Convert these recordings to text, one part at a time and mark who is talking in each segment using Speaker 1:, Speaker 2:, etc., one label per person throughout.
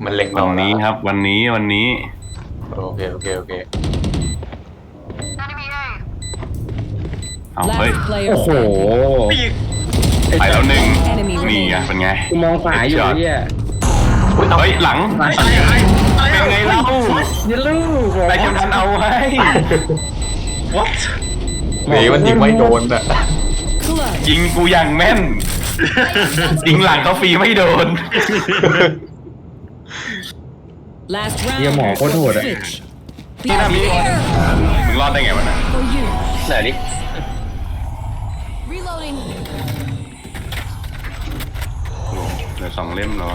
Speaker 1: มันเล็ง
Speaker 2: วั
Speaker 1: เรา
Speaker 2: นนี้ครับวันนี้
Speaker 1: โอเคโอเคโอเค
Speaker 2: เอาเฮ้ย
Speaker 3: Last player
Speaker 4: โอ้โห
Speaker 3: standing.
Speaker 2: ไปแล้วหนึ่ง
Speaker 3: Enemy
Speaker 2: นี่ไง
Speaker 3: remaining.
Speaker 2: เป็นไง
Speaker 4: กูมองขวาอยู่
Speaker 2: Headshot
Speaker 4: เนี่ย
Speaker 2: เฮ้ยหลังเป็นไงเล่า
Speaker 4: อย่าลูก
Speaker 2: ไปจนทันเอาไว้ what
Speaker 1: หนีมันยิงไม่โดนอะ
Speaker 3: Clutch.
Speaker 2: ยิงกูอย่างแม่น ยิงหลังเขาฟรีไม่โดน
Speaker 3: Last round.
Speaker 4: เฮียหมอโคตรโหดอะ
Speaker 3: Switch.
Speaker 2: นี่นะมีมึงรอดได้ไงวะน่ะ
Speaker 3: For you.
Speaker 1: ไหนดิ
Speaker 3: Reloading.
Speaker 2: เหลือ2 เล่มแล้ว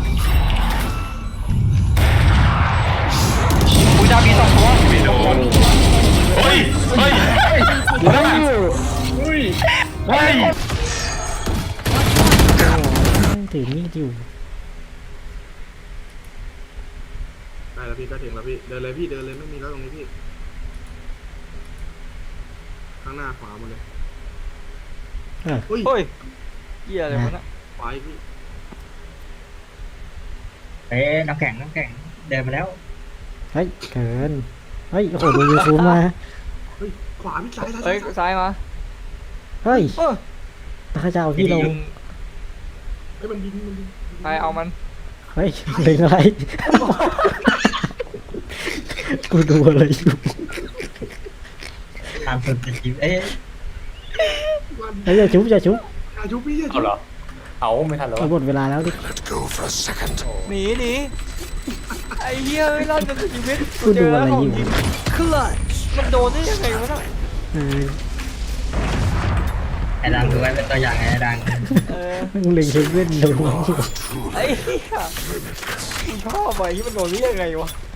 Speaker 1: กูจะมี2 ตัว
Speaker 2: ไม่โดนเฮ้ยเฮ้ย
Speaker 4: ได้อยู่
Speaker 2: เฮ้ย
Speaker 5: ถือมีดอยู่
Speaker 6: ได้แล้วพี่ก็ถึงแล้วพี่เดินเลยพี่เดินเลยไม่มีแล้วตรงนี้พี่ข้างหน้าขวาหมดเลยเฮ้ย
Speaker 7: เฮ้ยเหี้ยอะไรวะน่ะ
Speaker 6: ขวาอีกพี่
Speaker 8: น้ำแข็งเดินมาแล้ว
Speaker 5: เฮ้ยเกินเฮ้ยโอ้โหดูยูทูบมา
Speaker 6: เฮ้ยขวาพี่ซ้ายซ้าย
Speaker 7: เฮ้ยซ้ายมา
Speaker 5: เฮ้ย
Speaker 7: เออ
Speaker 5: ตาเจ้าพี่ลง
Speaker 6: เฮ้ยมันยิง
Speaker 7: ใครเอามัน
Speaker 5: เฮ้ยเล็งอะไรกูดูอะไรอยู่
Speaker 8: ตามสุดจริงเอ๊ะ
Speaker 5: เฮ้ยอย่าชุบอย่าชุบ
Speaker 6: อายุพี่
Speaker 1: เอาเหรอเอาไม่ทันแล้ว
Speaker 5: เอาหมดเวลาแล้วดิ
Speaker 7: หนีไอ้เหี้ยไม่รอดจนถึงชีวิต
Speaker 5: กูดูอะไรอยู่
Speaker 3: Clutch.
Speaker 7: มันโดนได้ยังไงวะน่ะ
Speaker 5: เออ
Speaker 8: ไอ้ดังดูไว้เป็นตัวอย่างไอ้ดัง
Speaker 7: เออ
Speaker 5: มึงเล็งเฮเว่นดู
Speaker 7: ไอ้เหี้ยกูชอบไปที่มันโดนได้ยังไงวะ